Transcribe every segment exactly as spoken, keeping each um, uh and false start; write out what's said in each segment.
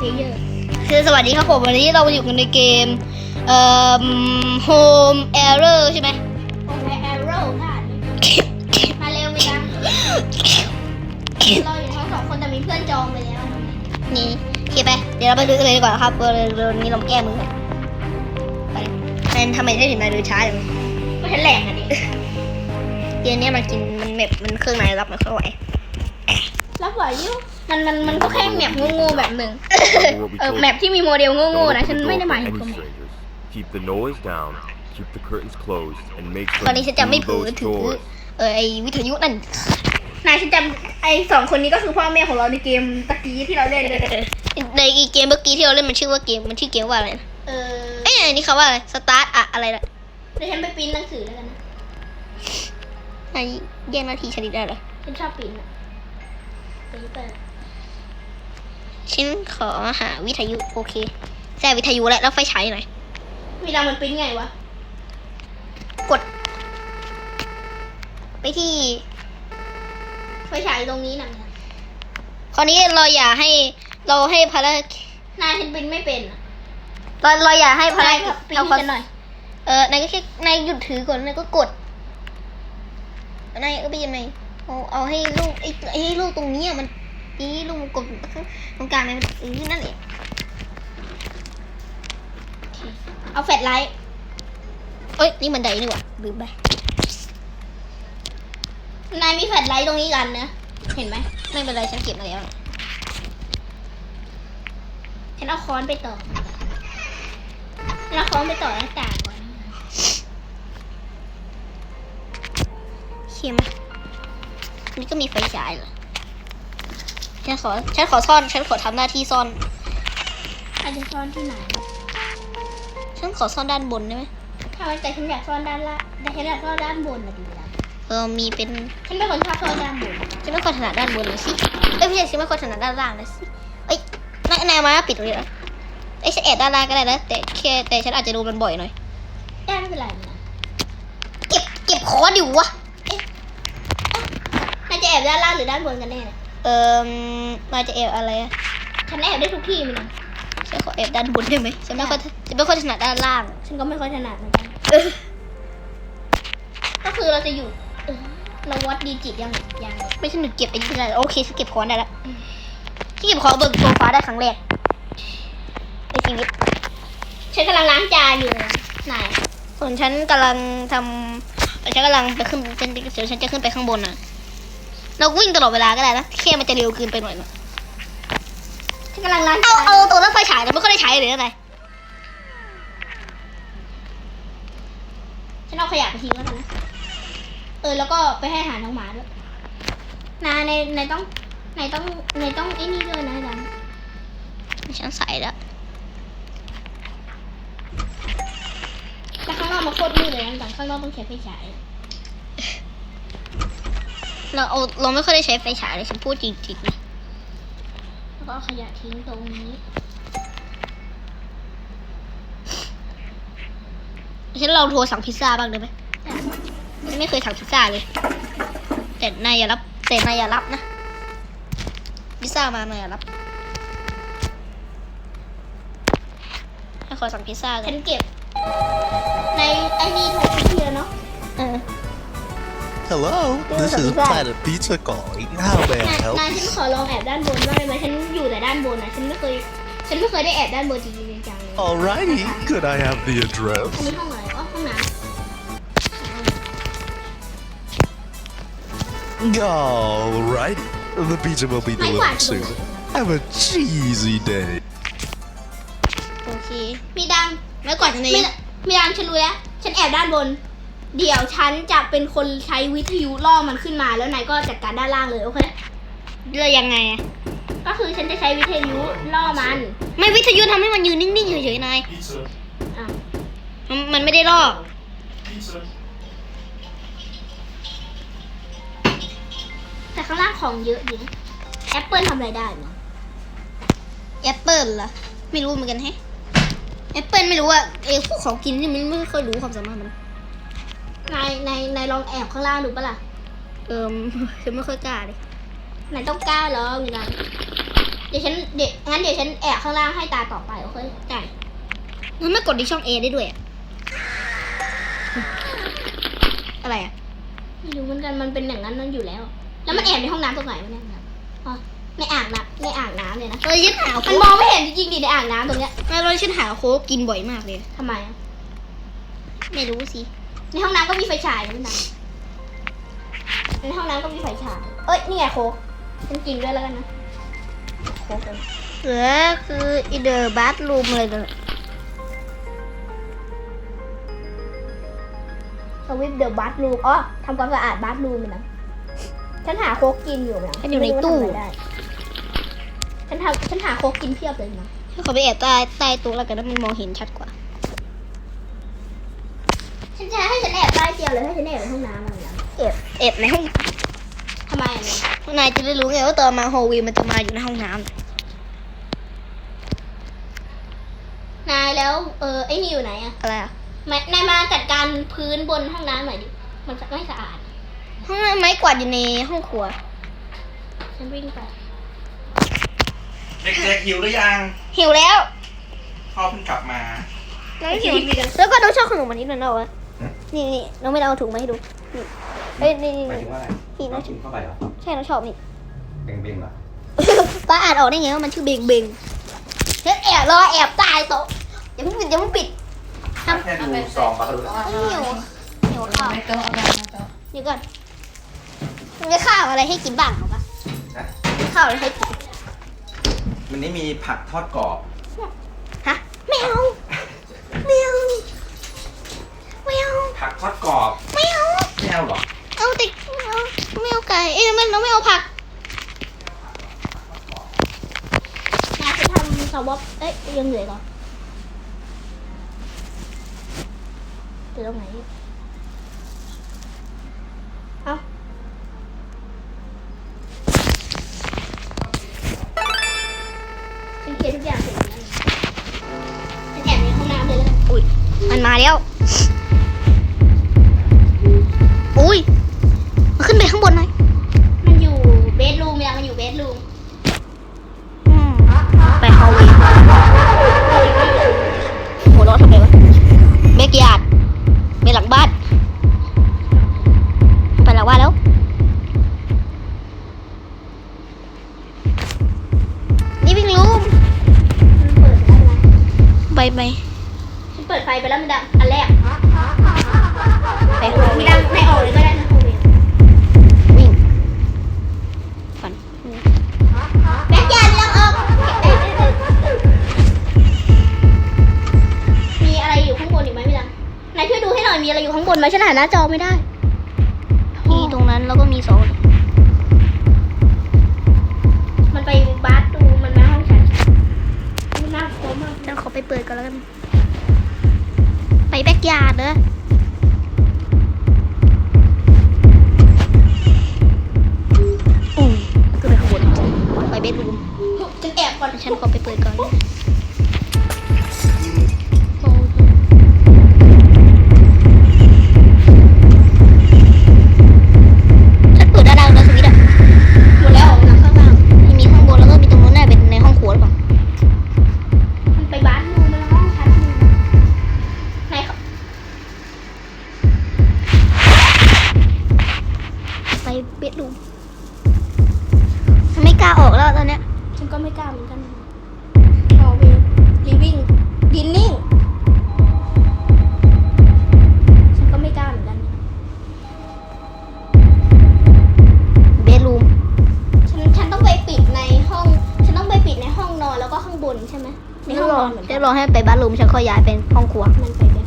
เยอร์คือสวัสดีครับผมวันนี้เราอยู่กันในเกมเอ่อ Home Error ใช่ไหมโอ้ยแอโร่ค่ะมาเร็วไหมยังเราอยู่ทั้งสองคนแต่มีเพื่อนจองไปแล้วนี่โอเคไปเดี๋ยวเราไปดูกันเลยดีกว่าครับเร็วเร็วนี้เรามาแก้มือกันไปแมนทำไมได้ถึงนายเดินช้าจังก็ฉันแหลงอ่ะดิเกมนี้มันกินมันแมปมันเครื่องในรับมันเข้าไหวรับไหวอยู่มันมันมันก็แค่แมปโง่ๆแบบหนึ่งเออแมปที่มีโมเดลโง่ๆนะฉันไม่ได้หมายถึง Keep the noise down, keep the curtains closed, and make ตอนนี้ฉันจะไม่ sure เผล you อ close ถือ those doors. เออไอวิทยุนั่นนายฉันจำไอ้สองคนนี้ก็คือพ่อแม่ของเราในเกมตะกี้ที่เราเล่นเลยในเกมเมื่อกี้ที่เราเล่นมันชื่อว่าเกมมันชื่อเกมว่าอะไรนะเออเอ้ยอันนี้เขาว่าอะไรสตาร์ทอะอะไรนะเดี๋ยวฉันไปปริ้นหนังสือแล้วกันนะนายแย่งหน้าที่ชนิดได้เหรอฉันชอบปริ้นอ่ะปริ้นเปิดฉันขอหาวิทยุโอเคแซ่วิทยุแล้วแล้วไฟฉายหน่อยมีดังมันปริ้นไงวะกด ไปที่ไฟฉายตรงนี้นะคราวนี้เราอย่าให้เราให้ภารกิจนายฉันปริ้นไม่เป็นอ่ะเราเราอย่าให้ภารนายกิจปริ้นเอาให้ฉันหน่อยเออนายก็แค่นายหยุดถือก่อนนายก็กดนายก็ไปยังไงเอาเอาให้ลูกไอ้ไอ้ลูกตรงนี้อะมันนี่ลูกมันกดตรงกลางเลยมันเออนั่นแหละเอาแฟลชไลท์เอ้ยนี่มันไดนี่หว่าลืมไปนายมีแฟลชไลท์ตรงนี้กันนะเห็นไหมไม่เป็นไรฉันเก็บมาแล้วฉันเอาค้อนไปต่อฉันเอาค้อนไปต่อหน้าต่างก่อนเขียมนี่ก็มีไฟฉายเหรอฉันขอฉันขอซ่อนฉันขอทำหน้าที่ซ่อนอาจจะซ่อนที่ไหนฉันขอซ่อนด้านบนได้ไหมถ้าวันแต่ฉันอยากซ่อนด้านล่างแต่ฉันอยากซ่อนด้านบนนะดีแล้วเออมีเป็นฉันเป็นคนชอบซ่อนด้านบนฉันไม่ค่อยถนัดด้านบนเลยสิเอ้ยไม่ใช่ฉันไม่ค่อยถนัดด้านล่างเลยสิเอ้ยนายนายมาปิดตรงนี้นะเอ้ยฉันแอบด้านล่างก็ได้นะแต่แค่แต่ฉันอาจจะดูมันบ่อยหน่อยได้ไม่เป็นไรนะเก็บเก็บคอดิวะนายจะแอบด้านล่างหรือด้านบนกันแน่นะเออมาจะแอบอะไรอะฉันแอบได้ทุกที่มันนะฉันขอแอบด้านบนได้ไหมฉันไม่ค่อยฉันไม่ค่อยถนัดด้านล่างฉันก็ไม่ค่อยถนัดเหมือนกันเออก็คือเราจะอยู่เออเราวัดดีจิตยังยังไม่ใช่หนูเก็บไอ้ที่ไหนโอเคฉันเก็บคอนได้แล้วที่เก็บคอนเบิกโซฟาได้ครั้งแรกในชีวิตฉันกำลังล้างจานอยู่นะนายส่วนฉันกำลังทำฉันกำลังไปขึ้นฉันเดี๋ยวฉันจะขึ้นไปข้างบนน่ะเราวิ่งตลอดเวลาก็ได้นะแค่มันจะเร็วเกินไปหน่อยนะฉันกำลังล้างเอาจานเอาตัวรถไฟฉายเราไม่ค่อยได้ใช้เลยอะไรฉันเอาขยะไปทิ้งแล้วกันนะเออแล้วก็ไปให้อาหารน้องหมาด้วยนายในในต้องในต้องในต้องไอ้นี่ด้วยนะดังฉันใส่แล้วแล้วข้างนอกมันโคตรมืดเลยนะดังข้างนอกต้องใช้ไฟฉายเราเอาเราไม่ค่อยได้ใช้ไฟฉายเลยฉันพูดจริงๆนะแล้วก็เอาขยะทิ้งตรงนี้ฉันลองโทรสั่งพิซซ่าบ้างได้ไหมฉันไม่เคยสั่งพิซซ่าเลยแต่นายอย่ารับแต่นายอย่ารับนะพิซซ่ามานายอย่ารับให้ขอสั่งพิซซ่ากัฉันนเก็บ ในไอ้นี่ถูกพิธีแล้วเนาะเออ Hello, this is Planet Pizza calling. How may นาย I help? นายฉันขอลองแอบด้านบนบ้างได้ไหมฉันอยู่แต่ด้านบนนะฉันไม่เคย ฉันไม่เคยได้แอบด้านบนจริงๆจังเลย Alrighty, could I have the อัน address? นี้ห้องอะไรอ๋อห้องน้ Alrighty, the pizza will be delivered soon. Have a cheesy day. โอเคำมีดังไม่ก่อนจะในมีมีดังฉันรู้แล้วฉันแอบด้านบน เดี๋ยวฉันจะเป็นคนใช้วิทยุล่อมันขึ้นมาแล้วนายก็จัดการด้านล่างเลยโอเคเลือกยังไงอะก็คือฉันจะใช้วิทยุล่อมันไม่วิทยุทำให้มันยืนนิ่งๆเฉยๆนายอ่ะมันมันไม่ได้ลอกแต่ข้างล่างของเยอะดีนะแอปเปิลทำอะไรได้มั้งแอปเปิลเหรอไม่รู้เหมือนกันแฮะแอปเปิลไม่รู้อะเออพวกของกินนี่มันไม่ค่อยรู้ความสามารถมันนายนายนายลองแอบข้างล่างดูปะล่ะเออฉันไม่ค่อยกล้าเลยนายต้องกล้าแล้วมีดังดี๋ยวฉันเดี๋ยวงั้นเดี๋ยวฉันแอบข้างล่างให้ตาต่อไปโอเคได้มันไม่กดที่ช่อง A ได้ด้วยอะอะไรอ่ะไม่รู้เหมือนกันมันเป็นอย่างนั้นนั่นอยู่แล้ว แล้วมันแอบในห้องน้ำตรงไหนวะเนี่ยอ๋อในอ่างน้ำในอ่างน้ำเลยนะเออฉันหามัโค้นกมองไม่เห็นจริงๆดิในอ่างน้ำตรงเนี้ยไม่รู้ฉันหาโค้กกินบ่อยมากเลยทำไมอะไม่รู้สิในห้องน้ำก็มีไฟฉายนะพี่นันในห้องน้ำก็มีไฟฉายเอ้ยนี่ไงโค้กฉันกินด้วยแล้วกันนะโค้กเลยเหลือคืออีเดอร์บัตรูมอะไรกันสวิปเดอะบัตรูมอ๋อทำความสะอาดบัตรูมนะฉันหาโค้กกินอยู่นะมันอยู่ในตู้ไม่รู้ว่าทำอะไรได้ฉันทำฉันหาโค้กกินเพียบเลยนะฉันขอไปแอบใต้ใต้โต๊ะแล้วกันนะมันมองเห็นชัดกว่าฉันจะให้ฉันแอบใต้เตียงหรือให้ฉันแอบในห้องน้ำอะไรนะแอบแอบในห้องทำไมอะเนี่ยนายจะได้รู้ไงว่าตอนมาโฮลวีมันจะมาอยู่ในห้องน้นายแล้วเออไอ้นี่อยู่ไหนอะำอะไรอ่ะมานายมาจัดการพื้นบนห้องน้ำหน่อยดิมันไม่สะอาดห้องน้ำไม้กวาดอยู่ในห้องครัวฉันวิ่งไปเด็กๆหิวหรือยังหิวแล้วพ่อเพิ่งกลับมาน้องหิวแล้วก็น้องชอบขนมอันนี้ด้วยนะวะนี่นี่น้องไม่ได้เอาถุงมาให้ดูนี่เอ้ยนี่นี่หมายนี่ถึงว่าอะไรนี่น้องกินเข้าไปเหรอใช่น้องชอบนี่เบ่งๆเหรอป้าอ่านออกได้ไงว่ามันชื่อเบงเบงเฮ้ยแอบรอแอบใต้โต๊ะอย่าเพิ่งปิดอย่าเพิ่งปิดแค่ดูซองก็รู้แล้วหิวหิวข้าวไม่โต๊ะเอาไปเอาโต๊ะเดี๋ยวก่อนมันมีข้าวอะไรให้กินบ้างเหรอปะนะมีข้าวอะไรให้กินวันนี้มีผักทอดกรอบฮะไม่เอาไม่เอาไม่เอาผักทอดกรอบไม่เอาไม่เอาเหรอเอาแต่เอาไม่เอาไก่เอ้ยไม่เราไม่เอาผักนายจะทำสวอปเอ้ยยังเหลือก่อนเหลือตรงไหนเอ้าฉันเคลียร์ทุกอย่างเสร็จแล้วฉันแอบในห้องน้ำเลยแล้วกันอุ้ยมันมาแล้วอุ้ยมันขึ้นไปข้างบนหน่อยมันอยู่เบดรูมยังมันอยู่เบดรูมอืมไปฮอลเวย์หัวเราะทำไมวะเบกยาร์ดไปหลังบ้านไปหลังบ้านแล้วนี่วิ่งลูมมันเปิดไปแล้วนะไปไปฉันเปิดไฟไปแล้วมันดังอันแรกไปฮอลเวมันย์ดังในออกเลยก็ได้นะโอเควิ่งฝันแบ็คยาร์ดยังออกมีอะไรอยู่ข้างบนอีกไหมพี่ดังนายช่วยดูให้หน่อยมีอะไรอยู่ข้างบนไหมฉันหาหน้าจอไม่ได้ที่ตรงนั้นแล้วก็มีสองมันไปบาร์ดูมันมาห้องฉันมันน่ากลัวมากฉันขอไปเปิดก่อนแล้วกัน ไปแบ็กยาร์ดเด้ออุ้ยขึ้นไปข้างบนไปเบดรูมฉันแอบก่อนฉันขอไปเปิดก่อนฉันเปิดด้านล่างแล้วสวิตช์อะหมดแล้วออกมาข้างล่างมีข้างบนแล้วก็มีตรงนู้นน่าเป็นในห้องครัวหรือเปล่ามันไปบาร์ดูมันห้องฉันนายเขาไปเบดรูมฉันไม่กล้าออกแล้วตอนเนี้ยฉันก็ไม่กล้าเหมือนกันฮอลเวย์ลิฟวิ่งดินนิ่งฉันก็ไม่กล้าเหมือนกันเบดรูมฉันฉันต้องไปปิดในห้อง ฉันต้องไปปิดในห้องนอนแล้วก็ข้างบนใช่ไหมในห้องนอนเหมือนกัเดี๋ยนวรอให้ไปบ้านรูมฉันค่อยย้ายเป็นห้องครัวมันไปแบบ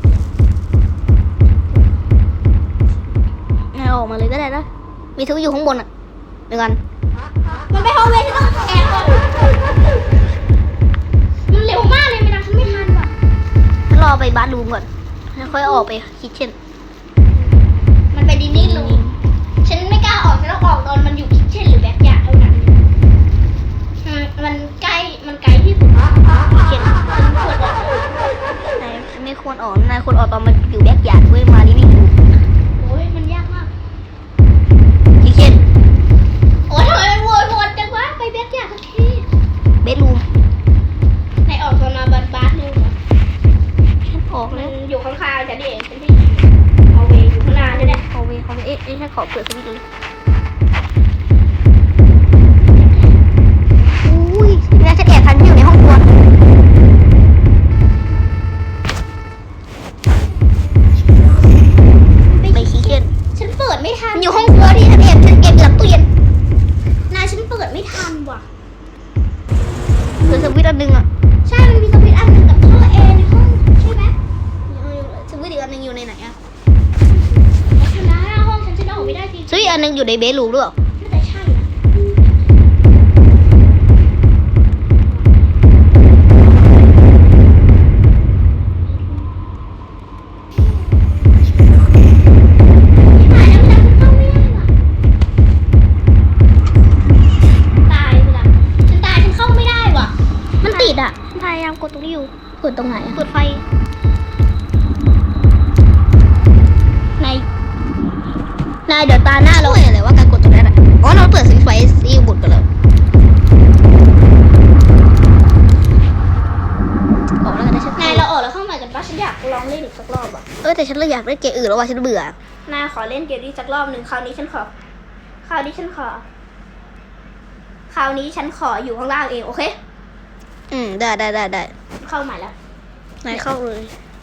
ให้ออกมาเลยก็ได้นะมีทุกอยู่ข้างบนอ่ะเดี๋ยวกันมันไปฮอลเวย์ฉันต้องแอบก่อนมันเร็วมากเลยไม่ได้ฉันไม่ทันว่ะฉันรอไปบ้านรูมก่อนแล้วค่อยออกไปคิทเช่นมันไปดินนิ่งเลยฉันไม่กล้าออกฉันต้องออกตอนมันอยู่คิทเช่นหรือแบ็คยาร์ดเท่านั้นมันมันใกล้มันไกลที่สุดคิทเช่นฉันควรออกนายไม่ควรออกนายควรออกตอนมันอยู่แบ็กยาร์ดเว้ยมาลิวิ่งรูมโอ้ยมันยากมากคิทเช่นโอ้ยทำไมมันวนวนจังวะไปแบ็คยาร์ดสักทีบเบดรูมนายออกตอนมาบัสบัสนึงเหรอฉันออกมัแล้นวอยู่ข้างๆฉันเองฉันที่เอาเวอยู่ข้างหน้าใช่ไหมขอเวขอเวเอ๊ะเอ๊ะฉันขอเปิดสวิตช์เลยอุ้ยแล้วฉันแอบทันที่อยู่ในห้องครัวไปขี้เกียจฉันเปิดไม่ทันมันอยู่ห้องครัวที่ฉันแอบฉันเก็บอยู่หลังตู้เย็นนายฉันเปิดไม่ทันว่ะเปิดสวิตช์อันหนึงอ่ะใช่ มันมีสวิตช์อันหนึ่งกับท่อแอร์ในห้องใช่ไหมสวิตช์อีกอันหนึงอยู่ในไหนอ่ะฉันนะหน้าห้องฉันฉันออกไม่ได้จริงสวิตช์อันหนึงอยู่ในเบดรูมหรือเปล่าน่าจะใช่นะหายแล้วมันเข้าไม่ได้ว่ะตายไปละฉันตายฉันเข้าไม่ได้ว่ะ มันติดอ่ะพยายามกดตรงนี้อยู่เปิดตรงไหนอะเปิดไฟนายนายเดี๋ยวตาหน้าเราช่วยอะไรว่าการกดตรงนั้นอ่ะอ๋อเราเปิดสวิตช์ไฟซีบุดกันแล้วออกแล้วกันนะฉันนายเราออกแล้วเข้าใหม่กันปะฉันอยากลองเล่นอีกสักรอบอ่ะเออแต่ฉันเลยอยากเล่นเกมอื่นแล้วว่ะฉันเบื่อนายขอเล่นเกมนี้สักรอบหนึ่งคราวนี้ฉันขอ คราวนี้ฉันขอ คราวนี้ฉันขออยู่ข้างล่างเองโอเคอืมได้ได้ได้ได้เข้าใหม่แล้วนายเข้าเลย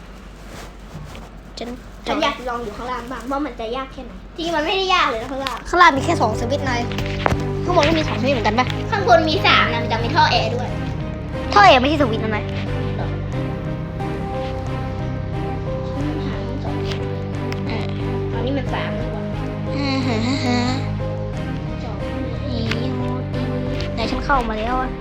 ฉันฉันอยากลองอยู่ข้างล่างบ้างว่ามันจะยากแค่ไหนจริงๆมันไม่ได้ยากเลยนะข้างล่างข้างล่างมีแค่สองสวิตช์นายข้างบนก็มีสองสวิตช์เหมือนกันปะข้างบนมีสามนะมันจะมีท่อแอร์ด้วยท่อเอไม่ใช่สวิตช์นะนายหาทั้งสองอันนี้มันสามดีกว่าอ่าฮะฮะฮะสองอีโฮตีไหนฉันเข้ามาแล้วอ่ะ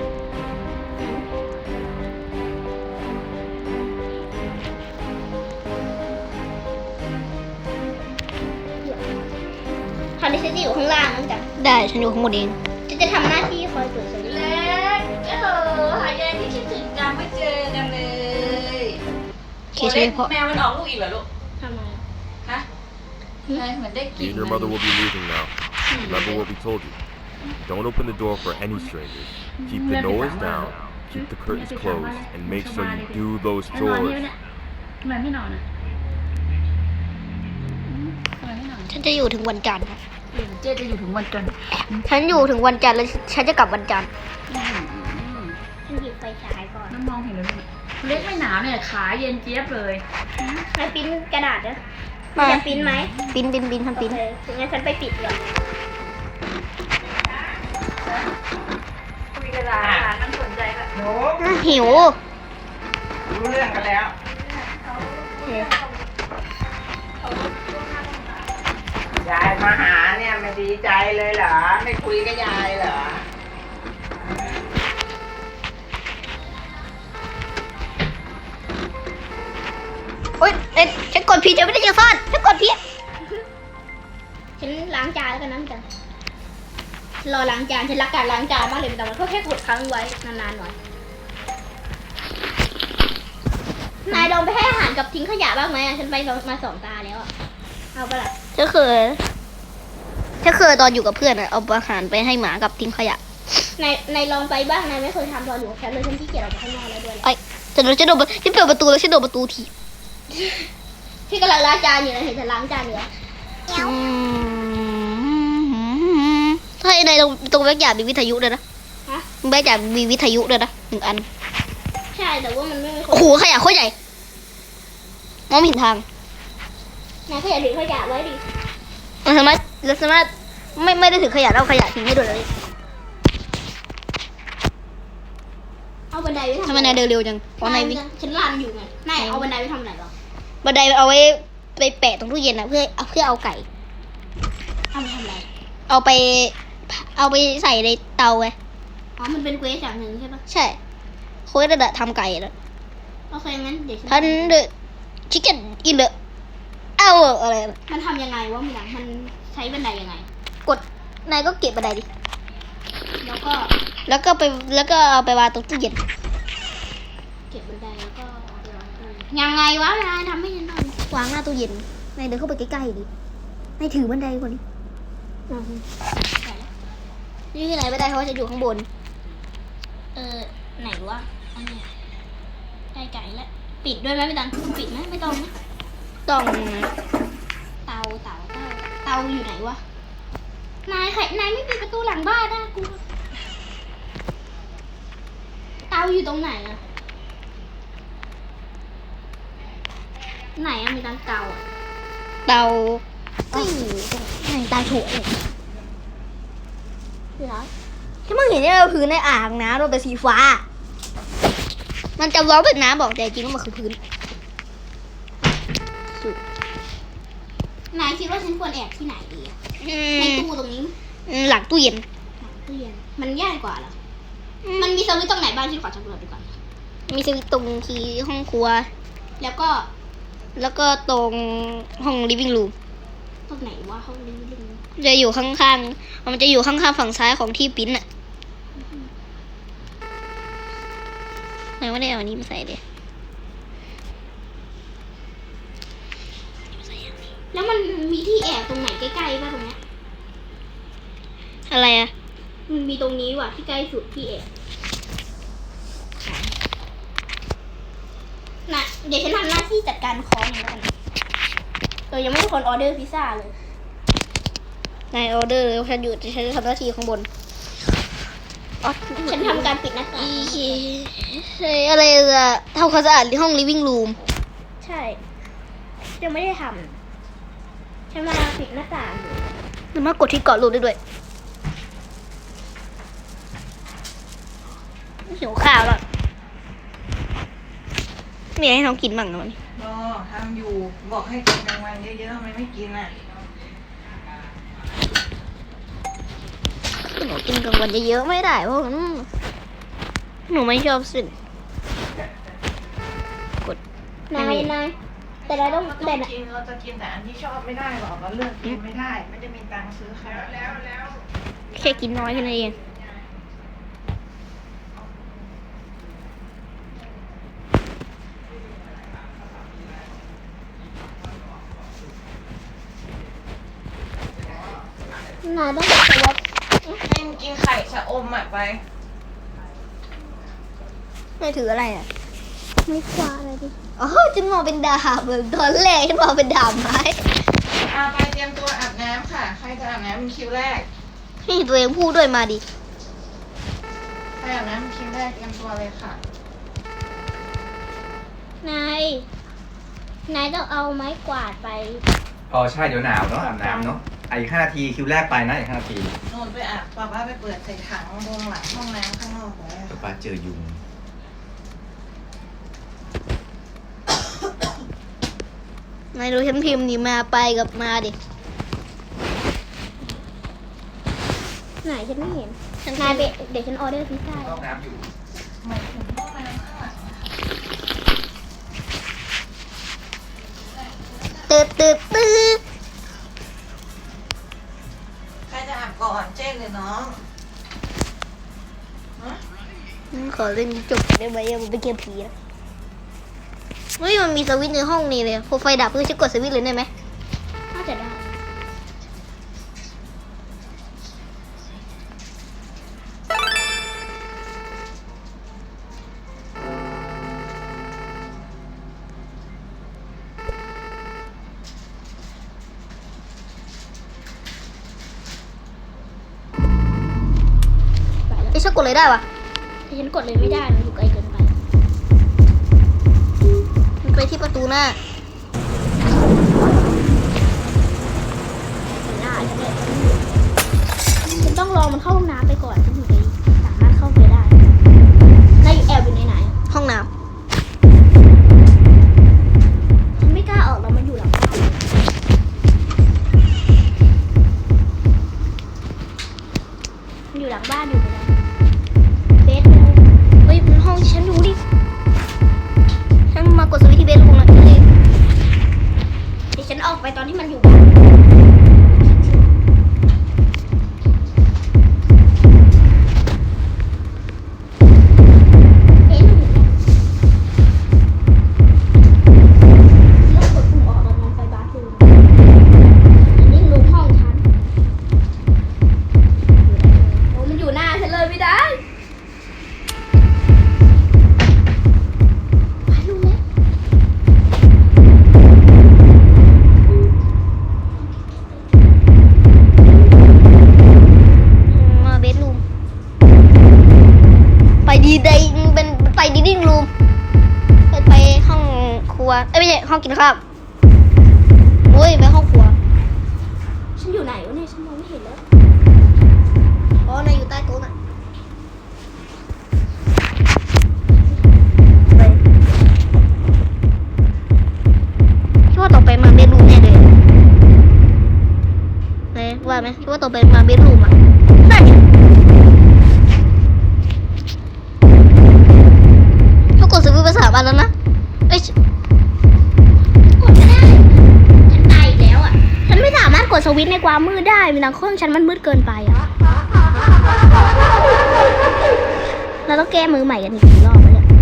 คราวนี้ฉันจะอยู่ข้างล่างนั่นจ้ะได้ฉันอยู่ข้างบนเองฉันจะทำหน้าที่คอยเปิดสวิตช์เล็กเออหายายที่คิดถึงจังไม่เจอกันเลยเคสไม่พอแมวมันออกลูกอีกเหรอลูกทำไมฮะเฮ้ยเหมือนได้ก You ลิ่น and your mother will be leaving now. Remember what we told you. Don't open the door for any strangers. Keep the noise down, keep the curtains closed, and make sure you do those นอนนี่ chores. เนี่ยทำไมไม่นอนอ่ะอืมทำไมไม่นอนฉันจะอยู่ถึงวันจันทร์ครับเดี๋ยวเจ๊จะอยู่ถึงวันจันทร์ฉันอยู่ถึงวันจันทร์แล้วฉันจะกลับวันจันทร์อืมฉันหยิบไฟฉายก่อนน้ำมองเห็นแล้วเนี่ยเล็กไม่หนาวเนี่ยขาเย็นเจี๊ยบเลยนายปริ้นกระดาษนะมาจะปริ้นไหมปินปินปินทำปินโอเคงั้นฉันไปปิดก่อนคุยกันละอาหารมันสนใจแบบหนูน่าหิวรู้เรื่องกันแล้วยายมาหาเนี่ยไม่ดีใจเลยเหรอ ไม่คุยกับยายเหรอโอ๊ยเอ๊ะฉันกดผิดจะไม่ได้จะซ่อนฉันกดผิดฉันล้างจานแล้วกันนะจ๊ะรอล้างจานฉันรักการล้างจานมากเลยแต่มันก็แค่กดค้างไว้นานๆหน่อยนายลองไปให้อาหารกับทิ้งขยะบ้างไหมอะฉันไปลองมาสองตาแล้วอะเอาไปะละฉันเคยฉันเคยตอนอยู่กับเพื่อนอะเอาอาหารไปให้หมากับทิ้งขยะนายนายลองไปบ้างนายไม่เคยทำตอนอยู่กับฉันเลยฉันขี้เกียจออกไปข้างนอกแล้วด้วยแหละไอ้ฉันโดนฉันโดนฉันเปิดประตูแล้วฉันโดนประตูทีพี่กำลังล้างจานอยู่นะเห็นฉันล้างจานอยู่อะอืมถ้าไอ้ในตรงตรงแบกอยากมีวิทยุด้วยนะฮะแบกอยากมีวิทยุด้วยนะหนึ่งอันใช่แต่ว่ามันไม่มีคโอ้นโหขยะโคตรใหญ่มองไม่เห็นทางนายก็อย่าทิ้งขยะไว้ดิเราสามารถเราสามารถไม่ไม่ได้ถือขยะแล้วเอาขยะทิ้งได้ด้วยเลยเอาบันไดไว้ทำทำไมนายเดินเร็วจังเพราะนายวิฉันรันอยู่ไงนายเอาบันไดไว้ทำอะไรหรอบันไดเอาไว้ไปแปะตรงตู้เย็นนะเพื่อเอาเพื่อเอาไก่เอาไปทำอะไรเอาไป เอาไปใส่ในเตาไงอ๋อมันเป็นเควสอย่างหนึ่งใช่ปะใช่โค้ดระดับทำไก่แล้วโอเคงั้นเดี๋ยวฉันทันเดอะชิคเก้นอินเดอะเอาอะไรนะมันทำยังไงวะมีหลังมันใช้บันไดยังไงกดนายก็เก็บบันไดดิแล้วก็แล้วก็ไปแล้วก็เอาไปวางตรงตู้เย็นเก็บบันไดแล้วก็เอาไปวางตู้ยังไงวะนายทำให้ฉันหน่อยวางหน้าตู้เย็นนายเดินเข้าไปใกล้ๆดินายถือบันไดก่อนดิอืมได้แล้วนี่คือไหนบันไดเพราะว่าจะอยู่ข้างบนเออไหนวะอันเนี้ยใกล้ไก่แล้วปิดด้วยไหมไม่ต้องปิดไหมไม่ต้องนะต้องนะเตาเตาเตาเตาอยู่ไหนวะนายใครนายไม่ปิดประตูหลังบ้านนะกูเตาอยู่ตรงไหนอะไหนอะมีตังเตาอะเตาก็อยู่ตรงไหนเตาถั่วเลยคืออะไรที่มึงเห็นเนี่ยเราพื้นในอ่างนะเราเป็นสีฟ้า มันจะร้องเป็นน้ำบอกแต่จริงว่ามันคือพื้นนายคิดว่าฉันควรแอบที่ไหนดีอะอืในมตู้ตรงนี้อืมหลังตู้เย็นตู้เย็นมันง่ายกว่าเหรอมันมีสวิตช์ตรงไหนบ้างฉันขอสำรวจดูก่อนมีสวิตช์ตรงที่ห้องครัวแล้วก็แล้วก็ตรงห้อง living room ตรงไหนวะห้องนี้ลิงจะอยู่ข้างๆ มันจะอยู่ข้างๆฝั่งซ้ายของที่ปริ้นอะไหนว่าได้เอาอันนี้มาใส่เลยแล้วมันมีที่แอบตรงไหนใกล้ๆป่ะตรงเนี้ยอะไรอะมันมีตรงนี้ว่ะที่ใกล้สุดที่แอบน่ะเดี๋ยวฉันทำหน้าที่จัดการคองแล้วกันเออยังไม่มีคนออเดอร์พิซซ่าเลยนายออเดอร์เลยฉันอยู่ฉันจะทำหน้าที่ข้างบนอ๋อฉันทำการปิดหน้าต่างอีเฮ้ยอะไรอะทำความสะอาดห้อง living room ใช่ยังไม่ได้ทำฉันมาปิดหน้าต่างอยู่มันมากดที่เกาะรูปได้ด้วยหิวข้าวแล้วมีอะไรให้น้องกินบ้างนะวันนี้โอ้ทำอยู่บอกให้กินกลางวันเยอะๆทำไมไม่กินอ่ะหนูกินกลางวันเยอะๆไม่ได้เพราะมันหนูไม่ชอบสิ่งกดนายนายแต่เราต้องเราแต่ต้องกินเราจะกินแต่อันที่ชอบไม่ได้หรอกเราเลือกกินไม่ได้ ไม่ได้มีตังค์ซื้อค่ะแล้วแล้วแค่กินน้อยแค่นั้นเองนายต้องสวอปให้มันกินไข่ชะอมอ่ะไปไม่ถืออะไรอ่ะไม่คว้าอะไรดิอ๋อฉันมองเป็นดาบเหมือนตอนแรกฉันมองเป็นดาบไม้อาไปเตรียมตัวอาบน้ำค่ะ ใครจะอาบน้ำเป็นคิวแรกนี่ตัวเองพูดด้วยมาดิใครอาบน้ำเป็นคิวแรกเตรียมตัวเลยค่ะนายนายต้องเอาไม้กวาดไปอ๋อใช่เดี๋ยวหนาวเนาะอาบน้ำเนาะอ่ะอีกห้านาทีคิวแรกไปนะอีกห้านาทีโน่นไปอาบป้าป้าไปเปิดใส่ถังตรงหลังห้องน้ำข้างนอกเลยเดี๋ยวป้าเจอยุงนายดูฉันพิมพ์นี่มาไปกับมาดิไหนฉันไม่เห็นนายไปเดี๋ยวฉันออเดอร์พิซซ่าห้องน้ำอยู่หมายถึงห้องน้ำข้างหลังตืดตืดตืดใครจะอาบก่อนเจ๊หรือน้องฮะขอเล่นจบได้ไหมมันเป็นเกมผีนะเฮ้ยมันมีสวิตช์ในห้องนี้เลยพอไฟดับเพื่อจะกดสวิตช์เลยได้ไหมน่าจะได้ไอ้ฉันกดเลยได้วะแต่ฉันกดเลยไม่ได้ มันอยู่ไกลเกินไปมันไปที่ประตูหน้าไม่ได้ฉันต้องรอมันเข้าห้องน้ำไปก่อนฉันถึงจะสามารถเข้าไปได้นายอยู่แอบอยู่ในไหนห้องน้ฉันไม่กล้าออกแล้วมันอยู่หลังบ้านมันอยู่หลังบ้านอยู่ไปแล้วเบสไปแล้วำเฮ้ยมันห้องที่ฉันดูดิ ฉันมากดสวิตช์ที่เบสลงหน่อยเลยเดี๋ยวฉันออกไปตอนที่มันอยู่บ้านรัวเอ้ยไม่ใช่ห้องกินข้าวโอ้ยไปห้องครัวฉันอยู่ไหนวะเนี่ยฉันมองไม่เห็นแล้วอ๋อนายอยู่ใต้โต๊ะน่ะไปคิดว่าต่อไปมาเบดรูมแน่เลยไหนว่าไหมคิดว่าต่อไปมาเบดรูมอ่ะนั่นเขากดสวิตช์ไปสามอันแล้วนะเอ้ยกดไม่ได้ ฉันตายอีกแล้วอ่ะ ฉันไม่สามารถกดสวิตช์ในความมืดได้เวลาเครื่องฉันมันมืดเกินไปอ่ะ เราต้องแก้มือใหม่กันอีกกี่รอบวะเนี่ย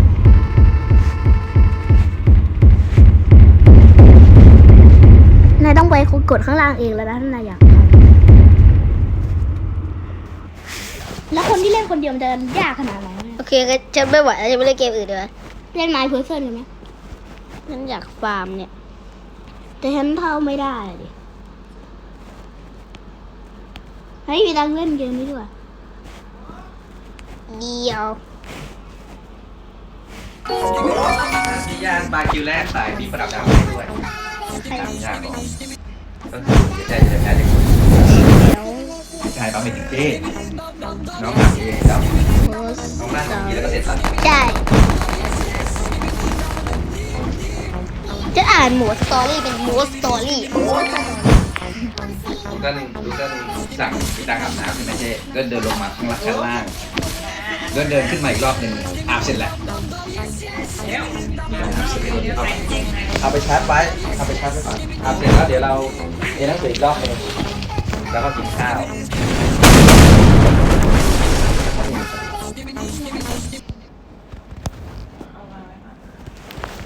นายต้องไปกดข้างล่างเองแล้วนะถ้านายอยากทำแล้วคนที่เล่นคนเดียวมันจะยากขนาดไหนเนี่ยโอเคงั้นฉันไม่ไหวแล้วจะไม่เล่นเกมอื่นเลยเล่นไม้เพอร์เซนกันไหมฉันอยากฟาร์มเนี่ยแต่ฉันเท่าไม่ได้อะดิเฮ้ยมีตังค์เล่นเกมนี้ด้วยเดียวมียานบาคิวแรกใส่มีประดับดาวให้ด้วยตามยากบอกก็คือจะได้จะได้เด็กชายปั๊มเป็นถึงเจ้น้องหาเองแล้วน้องนั่งอย่างนี้แล้วก็เสร็จสับใช่จะอ่านหมวดสตอรี่เป็นหมวดสตอรี่ลูกก็ลูกก็สั่งมีตังอาบน้ำใช่ไหมเจ้ก็เดินลงมาข้างล่างชั้นล่างก็เดินขึ้นมาอีกรอบหนึ่งอาบเสร็จแล้วเอาไปชาร์จไว้เอาไปชาร์จไว้ก่อนอาบเสร็จแล้วเดี๋ยวเราเรียนหนังสืออีกรอบหนึงแล้วก็กินข้าว